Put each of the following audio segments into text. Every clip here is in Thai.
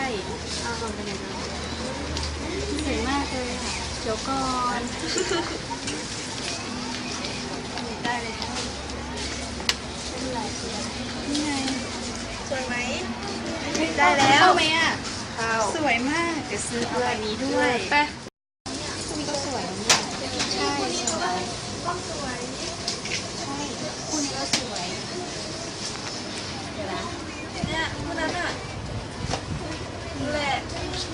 เอาลงไปเลยนะสวยมากเลยค่ะเดี๋ยวก่อนได้เลยค่ะเป็นไรนี่ไงสวยไหมได้แล้วเข้าไหมอ่ะเข้าสวยมากเดี๋ยวซื้อเอาอันนี้ด้วยไปคู่นี้ก็สวยเนี่ยใช่สวยก็สวยใช่คู่นี้ก็สวยเดี๋ยวนะเนี่ยคนนั้นอ่ะนี่แหละ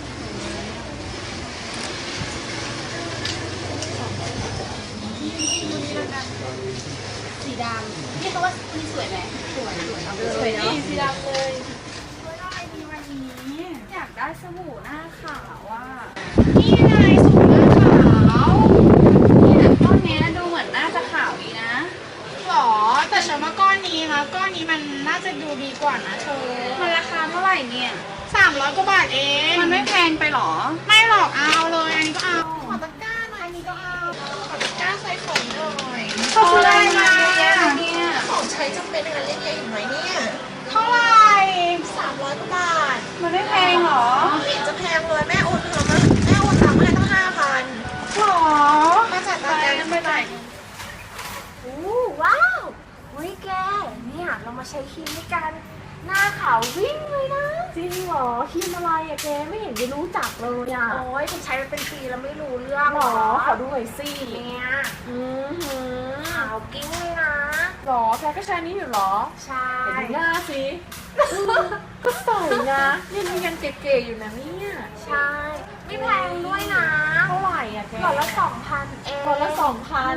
สีดำพี่เขาว่าคู่นี้สวยไหมสวยเอาไปเลยเนาะสีดำเลยอะไรดีวันนี้อยากได้สบู่หน้าขาวว่านี่ไงสบู่หน้าขาวเนี่ยก้อนเนี้ยดูเหมือนน่าจะขาวดีนะหรอแต่ฉันว่าก้อนนี้นะก้อนนี้มันน่าจะดูดีกว่านะเธอมันราคาเท่าไหร่เนี่ย 300 กว่าบาทเองมันไม่แพงไปหรอไม่หรอกเอาเลยอันนี้ก็เอาขอตะกร้าหน่อยอันนี้ก็เอาขอตะกร้าใส่ของหน่อยเขาซื้ออะไรมาเนี่ยของใช้จำเป็นอะไรเล็กๆอยู่ไหมเนี่ยเท่าไหร่ 300 กว่าบาทมันไม่แพงหรอไม่เห็นจะแพงเลยแม่โอนเงินมาแม่โอนตังค์มาให้ตั้ง5,000 หรอมาจากตะแกรงไปไหนโอ้ว้าวเฮ้ยแกเนี่ยเรามาใช้ครีมด้วยกันหน้าขาววิ่งเลยนะจริงเหรอครีมอะไรอะแกไม่เห็นจะรู้จักเลยอะโอ้ยฉันใช้มาเป็นปีแล้วไม่รู้เรื่องหรอขอดูหน่อยสิเนี่ยขาวกิ้งเลยนะหรอแกก็ใช้นี้อยู่หรอใช่เห็นหน้าสิก็ใส่นะยังเก๋ๆอยู่นะเนี่ยใช่ไม่แพงด้วยนะเท่าไหร่อะแกหลอดละ2,000เองหลอดละ2,000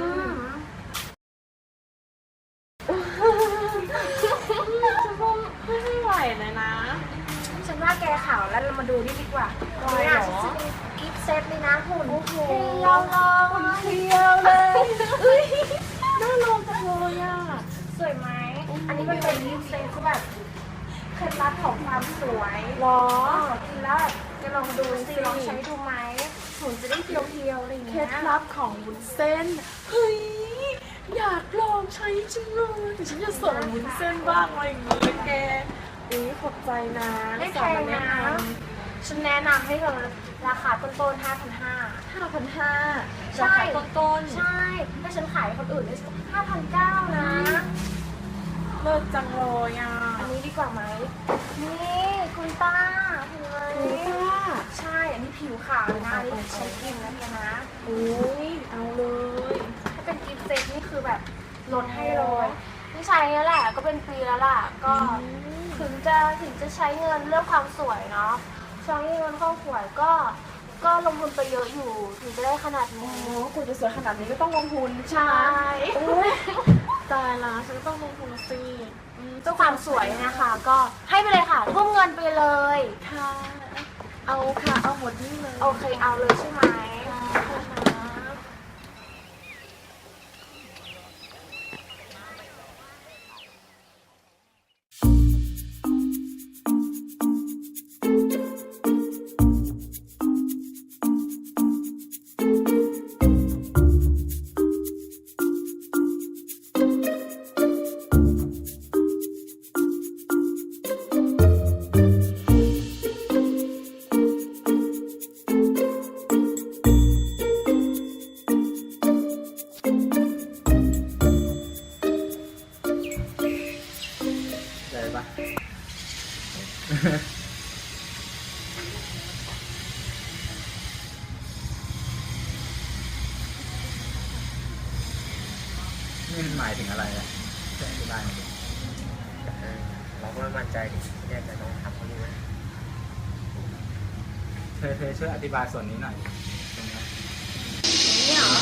จะก็ไม่ไหวเลยนะฉันว่าแกขาวแล้วเรามาดูนี่ดีกว่าอะไรหรอเนี่ยฉันจะมีกิฟต์เซตเลยนะหุ่นโอ้โหเรียวเลยเที่ยวเลยเฮ้ยน่าลองจังเลยอ่ะสวยไหม อันนี้มันเป็นกิฟต์เซตที่แบบเคล็ดลับของความสวยหรอกินแล้วแบบจะลองดูสิลองใช้ดูไหมหุ่นจะได้เพียวๆอะไรอย่างเคเงี้ล็ยดลับของวุ้นเส้น เฮ้ย อยากลองใช้จังเลยแต่ฉันจะสอนวุ้นเส้นบ้างอะไรอย่างเงี้ยแกขอบใจนะไม่แพงนะ ฉันแนะนำให้เธอราคาต้นๆ 5,500 5,500 ใช่ราคาต้นใช่ถ้าฉันขายให้คนอื่นได้5,900 นะๆเลิศจังเลยอ่ะอันนี้ดีกว่าไหม นี่คุณป้าเห็นไหมคุณป้าใช่ อันนี้ผิวขาวเลยนะอันนี่ใช้กินนะเนี่ยนะโอ้ยเอาเลยถ้าเป็นกิฟต์เซตนี่คือแบบลดให้เลยนี่ใช้แล้วแหละก็เป็นปีแล้วล่ะ ก็ถึงจะใช้เงินเรื่องความสวยเนาะใช้เงินความสวยก็ลงทุนไปเยอะอยู่ถึงจะได้ขนาดโอ้นี้คุณจะสวยขนาดนี้ก็ต้องลงทุนใช่โอ้ยตายละฉันก็ต้องลงทุนสิเจ้าความสวยนะคะก็ให้ไปเลยค่ะทุ่มเงินไปเลยค่ะ เอาค่ะเอาหมดนี่เลยโอเคเอาเลยใช่ไหมเลยปะ นี่มันหมายถึงอะไรอ่ะจะอธิบายหน่อยดิเราก็ไม่มั่นใจดิแน่ใจต้องทำเขาดูไหมเธอช่วยอธิบายส่วนนี้หน่อยดิตรงเนี้ยนี่เหรอ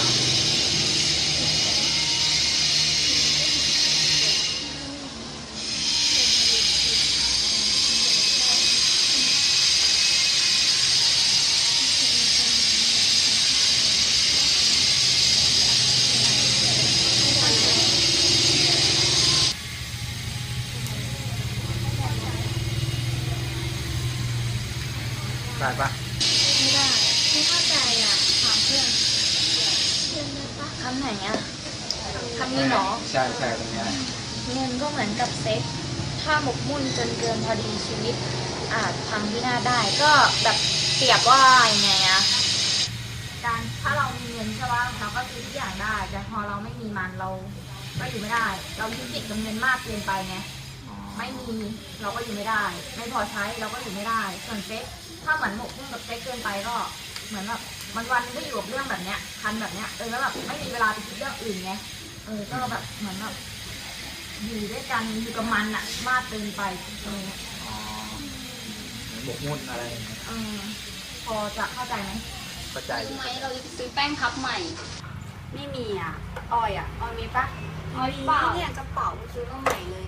ได้ปะไม่ได้ไม่เข้าใจอ่ะถามเพื่อนเพื่อนได้ปะคำไหนอ่ะคำนี้เหรอใช่ตรงเนี้ยเงินก็เหมือนกับเซ็กถ้าหมกมุ่นจนเกินพอดีชีวิตอาจพังพินาศได้ก็แบบเปรียบว่ายังไงอะการถ้าเรามีเงินใช่ป่ะเราก็ซื้อทุกอย่างได้แต่พอเราไม่มีมันเราก็อยู่ไม่ได้ เรายึดติดกับเงินมากเกินไปไงไม่มีเราก็อยู่ไม่ได้ ไม่พอใช้เราก็อยู่ไม่ได้ส่วนเซ็กถ้าเหมือนหมกมุ่นกับเซ็กเกินไปก็เหมือนแบบวันๆก็อยู่กับเรื่องแบบเนี้ยคันแบบเนี้ยแล้วแบบไม่มีเวลาไปคิดเรื่องอื่นไงก็แบบเหมือนแบบอยู่ด้วยกันอยู่กับมันอะมากเกินไปอะไรเงี้ยอ๋อเหมือนบกมุ่นอะไรอย่างเงี้ยพอจะเข้าใจไหมเข้าใจอรู้ยู่ไหมเราจะซื้อแป้งพับใหม่ไม่มีอ่ะออยมีปะเนี่ยกระเป๋าซื้อมาใหม่เลย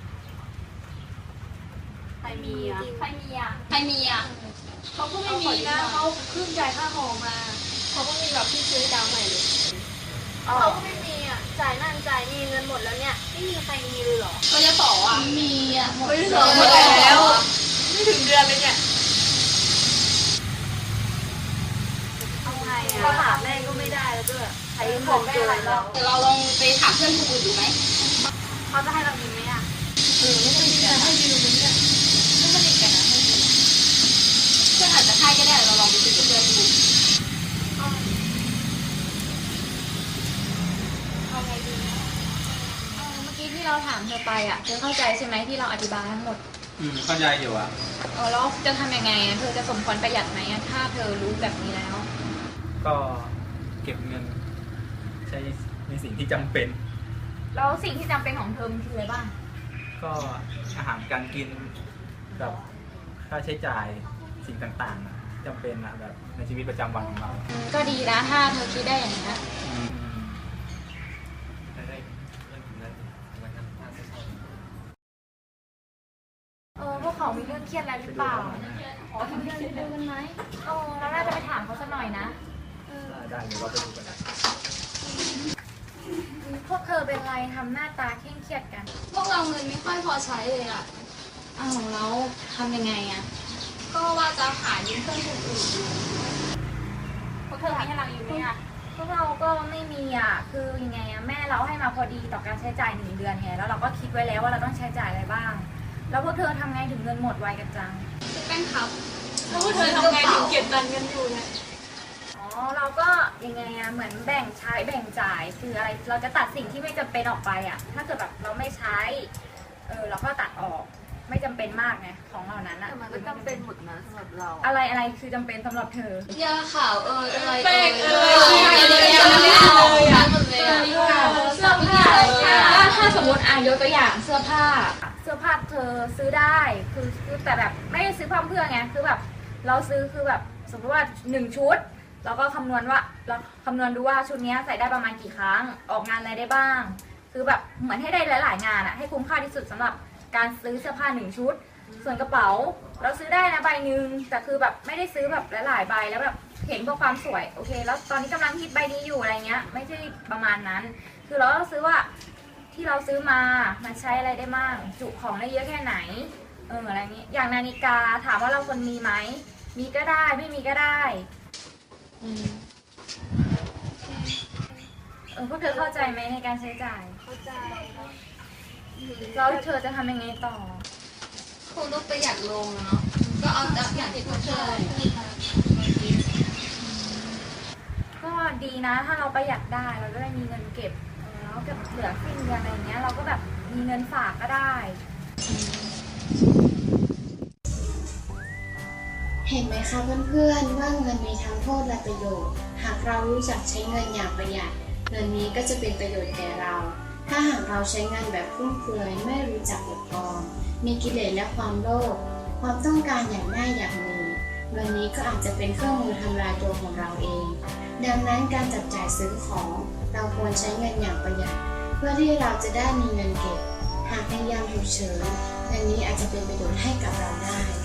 ใครมีอ่ะใครมีอ่ะเขาก็ไม่มีนะเขาเพิ่งจ่ายค่าหอมาเขาก็มีแบบที่ซื้อดาวใหม่เลยเขาก็ไม่มีอ่ะจ่ายนั่นจ่ายนี่เงินหมดแล้วเนี่ยไม่มีใครมีเลยเหรอก็จะต่ออ่ะมีอ่ะหมดหมดแล้ว ไม่ถึงเดือนเลยเนี่ยเอาไงอ่ะเขาถามแม่ก็ไม่ได้แล้วด้วยใช้ของแม่หลายรอบแต่เราลองไปถามเพื่อนคนอื่นดูไหมเขาจะให้เรายืมไหมอ่ะไม่สนิทกันนะให้ยืมเนี่ยไม่สนิทกันนะให้ยืมเพื่อนอาจจะให้ก็ได้เราลองไปคุยกับเพื่อนดูเอาไงดีนะเมื่อกี้ที่เราถามเธอไปอ่ะเธอเข้าใจใช่ไหมที่เราอธิบายทั้งหมดเข้าใจอยู่อ่ะแล้วจะทำยังไงอ่ะเธอจะสมควรประหยัดไหมอ่ะถ้าเธอรู้แบบนี้แล้วก็เก็บเงินใช้ในสิ่งที่จำเป็นแล้วสิ่งที่จำเป็นของเธอมันคืออะไรบ้างก็อาหารการกินแบบค่าใช้จ่ายสิ่งต่างๆจำเป็นอะแบบในชีวิตประจำวันของเราก็ดีนะถ้าเธอคิดได้อย่างนี้น พวกเขามีเรื่องเครียดอะไรหรือเปล่าขอทำเรื่องเร็วกันไหมเราน่าจะไปถามเขาสักหน่อยนะได้เดี๋ยวเราไปดูกันนะพวกเธอเป็นไรทำหน้าตาเคร่งเครียดกันพวกเราเงินไม่ค่อยพอใช้เลยอ่ะแล้วทำยังไงอ่ะก็ว่าจะหายืมเพื่อนคนอื่นดูพวกเธอมีให้เราอยู่ไหมอ่ะ พวกเราก็ไม่มีอ่ะ คือยังไงอ่ะแม่เราให้มาพอดีต่อการใช้จ่าย1 เดือนไง แล้วเราก็คิดไว้แล้วว่าเราต้องใช้จ่ายอะไรบ้าง แล้วพวกเธอทำไงถึงเงินหมดไวกันจังซื้อแป้งพับแล้วพวกเธอทำไงถึงเก็บตังค์กันอยู่เนี่ยเราก็ยังไงอะเหมือนแบ่งใช้แบ่งจ่ายคืออะไรเราจะตัดสิ่งที่ไม่จำเป็นออกไปอะถ้าเกิดแบบเราไม่ใช้เราก็ตัดออกไม่จำเป็นมากไงของเหล่านั้นอะมันก็จำเป็นหมดนะสำหรับเราอะไรคือจำเป็นสำหรับเธอยาขาวอะไรแป้งอะไรไม่เอาหมดเลยอ่ะเสื้อผ้าถ้าสมมติยกตัวอย่างเสื้อผ้าเธอซื้อได้คือแต่แบบไม่ได้ซื้อเพื่อไงคือแบบเราซื้อคือแบบสมมติว่า1 ชุดเราก็คำนวณดูว่าชุดนี้ใส่ได้ประมาณกี่ครั้งออกงานอะไรได้บ้าง คือแบบเหมือนให้ได้หลายๆงานอะให้คุ้มค่าที่สุดสำหรับการซื้อเสื้อผ้า1 ชุด ส่วนกระเป๋าเราซื้อได้นะใบหนึ่งแต่คือแบบไม่ได้ซื้อแบบหลายๆใบแล้วแบบเห็นเพื่อความสวยโอเคแล้วตอนนี้กำลังฮิตใบนี้อยู่อะไรเงี้ยไม่ใช่ประมาณนั้น คือเราต้องซื้อว่าที่เราซื้อมามันใช้อะไรได้บ้างจุของได้เยอะแค่ไหนอะไรเงี้ยอย่างนาฬิกาถามว่าเราควรมีไหมมีก็ได้ไม่มีก็ได้พวกเธอเข้าใจไหมในการใช้จ่ายเข้าใจแล้วเธอจะทำยังไงต่อคงต้องประหยัดลงเนาะก็เอาจากอย่างที่พวกเธอก็ดีนะถ้าเราประหยัดได้เราก็ได้มีเงินเก็บแล้วก็เหลือสิ้นเดือนอะไรเงี้ยเราก็แบบมีเงินฝากก็ได้เห็นไหมคะเพื่อนๆว่าเงินมีทั้งโทษและประโยชน์ หากเรารู้จักใช้เงินอย่างประหยัดเงินนี้ก็จะเป็นประโยชน์แก่เรา ถ้าหากเราใช้เงินแบบฟุ่มเฟือยไม่รู้จักอดออมมีกิเลสและความโลภความต้องการอย่างได้อย่างมีเงินนี้ก็อาจจะเป็นเครื่องมือทำลายตัวของเราเอง ดังนั้นการจับจ่ายซื้อของเราควรใช้เงินอย่างประหยัดเพื่อที่เราจะได้มีเงินเก็บหากในยามฉุกเฉินเงินนี้อาจจะเป็นประโยชน์ให้กับเราได้